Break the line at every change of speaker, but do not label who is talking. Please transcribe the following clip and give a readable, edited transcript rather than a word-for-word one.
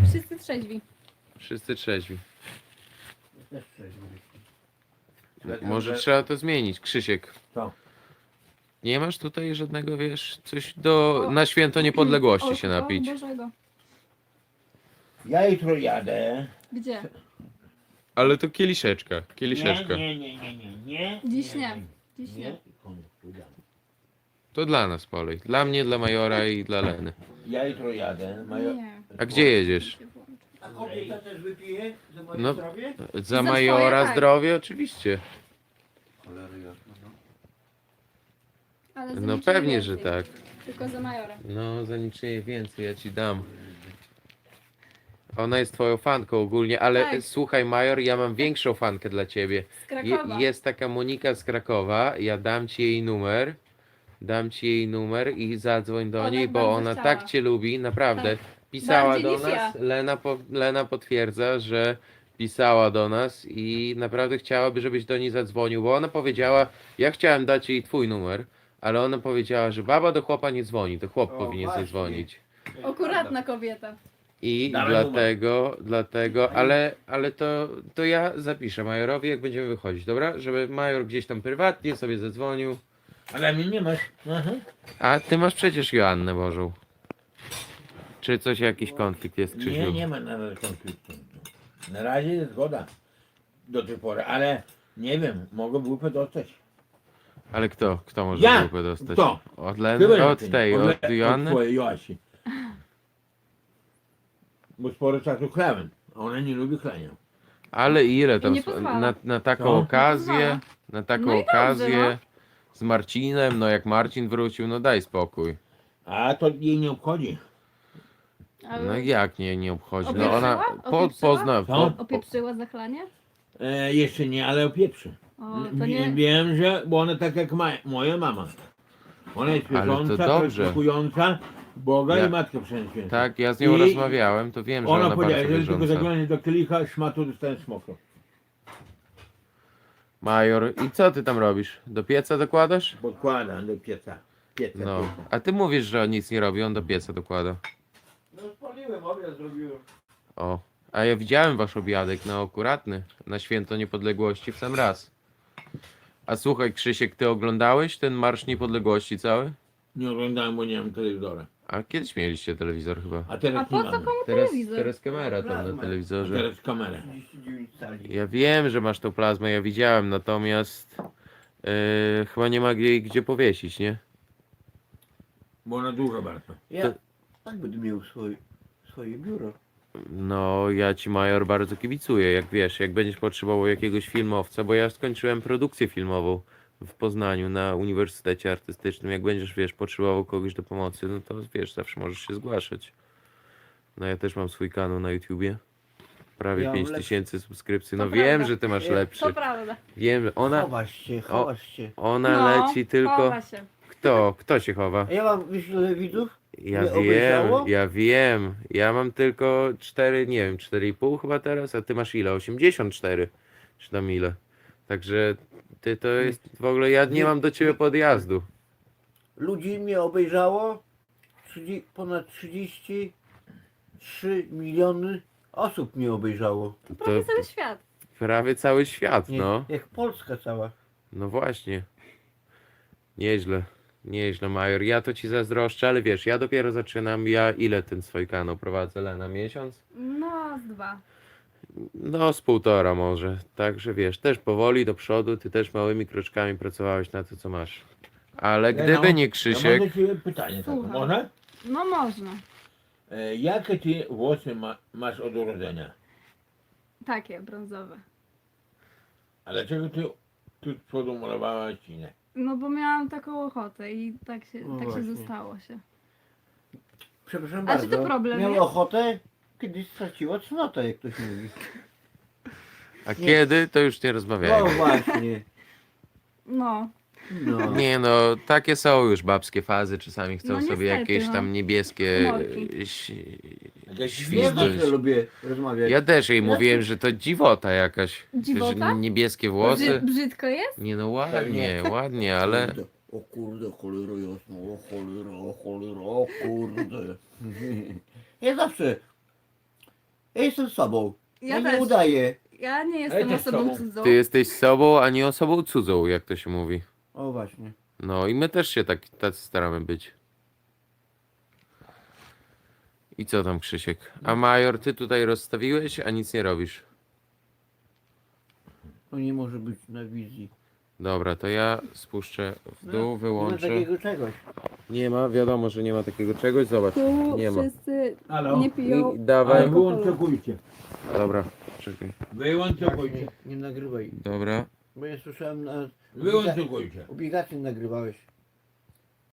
wszyscy trzeźwi.
Wszyscy trzeźwi.
Też trzeźwy.
Może trzeba to zmienić. Krzysiek,
Co?
nie masz tutaj żadnego, wiesz, coś na święto niepodległości się
O,
napić.
Bożego.
Ja jutro jadę.
Gdzie?
Ale to kieliszeczka, kieliszeczka.
Nie.
Dziś nie. Dziś nie.
To dla nas polej. Dla mnie, dla Majora i dla Leny.
Ja jutro jadę.
Nie.
A gdzie jedziesz?
A kobieta też wypije za moje
No.
zdrowie?
Za
Za
Majora
twoje, tak.
zdrowie oczywiście.
Cholery jasno, no.
Ale za
No
niczym
pewnie,
więcej.
że tak.
Tylko za Majora.
No za niczym więcej ja ci dam. Ona jest twoją fanką ogólnie, ale
Tak.
słuchaj Major, ja mam większą fankę dla ciebie.
Z Krakowa.
Jest taka Monika z Krakowa, ja dam ci jej numer. Dam ci jej numer i zadzwoń do
Ona
niej, bo
bardzo
ona
chciała.
tak cię lubi, naprawdę. Pisała
Bardziej
do
niż
nas,
ja.
Lena potwierdza, że pisała do nas i naprawdę chciałaby, żebyś do niej zadzwonił, bo ona powiedziała, ja chciałem dać jej twój numer, ale ona powiedziała, że baba do chłopa nie dzwoni, to chłop
O,
powinien
właśnie.
zadzwonić.
Akuratna kobieta.
I
Dawaj
dlatego, ale to ja zapiszę Majorowi, jak będziemy wychodzić, dobra? Żeby Major gdzieś tam prywatnie sobie zadzwonił.
Ale mnie nie masz. Aha.
A ty masz przecież Joannę Bożą. Czy coś, jakiś konflikt jest, Krzysiu?
Nie ma na razie konfliktu. Na razie jest zgoda. Do tej pory, ale nie wiem, mogę grupę dostać.
Ale kto może
Ja!
grupę dostać?
Kto?
Od
Chyba
Leny?
nie
Od
ty.
tej, od Joanny?
twojej Joasi. Bo sporo czasu chlałem, a ona nie lubi chlenia.
Ale ile
I
tam
nie pozwala.
na taką
Co?
okazję, na taką
No i dobrze,
okazję z Marcinem, no jak Marcin wrócił, no daj spokój.
A to jej nie obchodzi.
Ale
No jak nie obchodzi? No
Opieprzyła?
ona
Opieprzyła?
pozna.
Co?
opieprzyła zachlanie?
Jeszcze nie, ale opieprzy.
O, to nie...
Wiem, że, bo ona tak jak moja mama. Ona jest
Ale to
wierząca,
dobrze.
praktykująca Boga
Ja-
i Matkę Wszechświętą.
Tak, ja z nią
I
rozmawiałem, to wiem, że
Ona
ona
powiedziała,
bardzo
że tylko
wierząca.
zaglądnie do kielicha, szmatu dostałem smokro.
Major, i co ty tam robisz? Do pieca dokładasz?
Podkładam do pieca.
No, a ty mówisz, że on nic nie robi, on do pieca dokłada.
No spaliłem, obiad zrobiłem.
O, a ja widziałem wasz obiadek, no akuratny, na święto niepodległości w sam raz. A słuchaj Krzysiek, ty oglądałeś ten Marsz Niepodległości cały?
Nie oglądałem, bo nie mam telewizora.
A kiedyś mieliście telewizor chyba.
A teraz
A
nie
po co
mamy.
komu
Teraz,
telewizor?
teraz kamera tam na
A
telewizorze.
teraz kamerę.
Ja wiem, że masz tą plazmę, ja widziałem, natomiast chyba nie ma jej gdzie powiesić, nie?
Bo ona dużo bardzo.
Ja tak będę miał swoje biuro.
No, ja ci Major bardzo kibicuję, jak wiesz, jak będziesz potrzebował jakiegoś filmowca, bo ja skończyłem produkcję filmową w Poznaniu na Uniwersytecie Artystycznym, jak będziesz, wiesz, potrzebował kogoś do pomocy, no to wiesz, zawsze możesz się zgłaszać. No ja też mam swój kanał na YouTubie, prawie
Ja mam
5000 subskrypcji, no
To
wiem,
prawda.
że ty masz
To
lepszy,
To prawda.
wiem, że
Chowasz się.
ona
No,
leci tylko,
chowa się.
kto się chowa?
A ja mam, wiesz ile widzów?
Ja
Nie
wiem,
obejrzało?
ja wiem. Ja mam tylko 4, nie wiem, 4,5 chyba teraz, a ty masz ile? 84? Czy tam ile? Także ty to jest w ogóle, ja nie mam do ciebie podjazdu.
Ludzi mnie obejrzało. Ponad 33 miliony osób mnie obejrzało.
To prawie
To
cały świat.
prawie cały świat,
Nie,
no.
Jak Polska cała.
No właśnie. Nieźle. Nieźle, Major. Ja to ci zazdroszczę, ale wiesz, ja dopiero zaczynam. Ja ile ten swój kanał prowadzę, Lena? Miesiąc?
No, z 2.
No, z 1,5 może. Także wiesz, też powoli do przodu, ty też małymi kroczkami pracowałeś na to, co masz. Ale gdyby nie
Ja
Krzysiek,
mam do ciebie pytanie takie.
Słucham.
Można?
No można.
Jakie ty włosy masz od urodzenia?
Takie, brązowe.
A dlaczego ty tu z przodu malowałaś ci nie?
No bo miałam taką ochotę i tak się,
No
tak się
właśnie.
zostało się.
Przepraszam
A czy
bardzo.
to problem
Miał
jest?
ochotę, kiedyś straciła cnotę, jak ktoś mówi.
a kiedy, to już nie
No
rozmawiajmy.
właśnie.
No.
No.
Nie no, takie są już babskie fazy, czasami chcą
No
sobie
niestety,
jakieś
no.
tam niebieskie
Humorki.
Jakieś
Ja
świzdność.
zawsze lubię rozmawiać.
Ja też jej mówiłem, że to dziwota jakaś.
Dziwota?
Że niebieskie włosy.
Brzydko jest?
Nie no ładnie, ładnie, ale
Kurde, o kurde, cholera jasno, o cholera, o kurde. Ja zawsze Ja jestem sobą.
Ja
nie
też.
udaję.
Ja nie jestem
też
osobą
sobą.
cudzą.
Ty jesteś sobą, a nie osobą cudzą, jak to się mówi.
O właśnie.
No i my też się tacy staramy być. I co tam, Krzysiek? A Major, ty tutaj rozstawiłeś, a nic nie robisz.
To nie może być na wizji.
Dobra, to ja spuszczę w dół,
Nie ma
wyłączę.
takiego czegoś.
Nie ma, wiadomo, że nie ma takiego czegoś. Zobacz,
Tu
nie ma.
wszyscy
Halo?
nie piją.
I dawaj.
Ale wyłączokujcie.
Dobra, czekaj.
Wyłączokujcie.
Nie nagrywaj.
Dobra.
Bo ja słyszałem na...
Wyłączokujcie.
Obligacje nagrywałeś.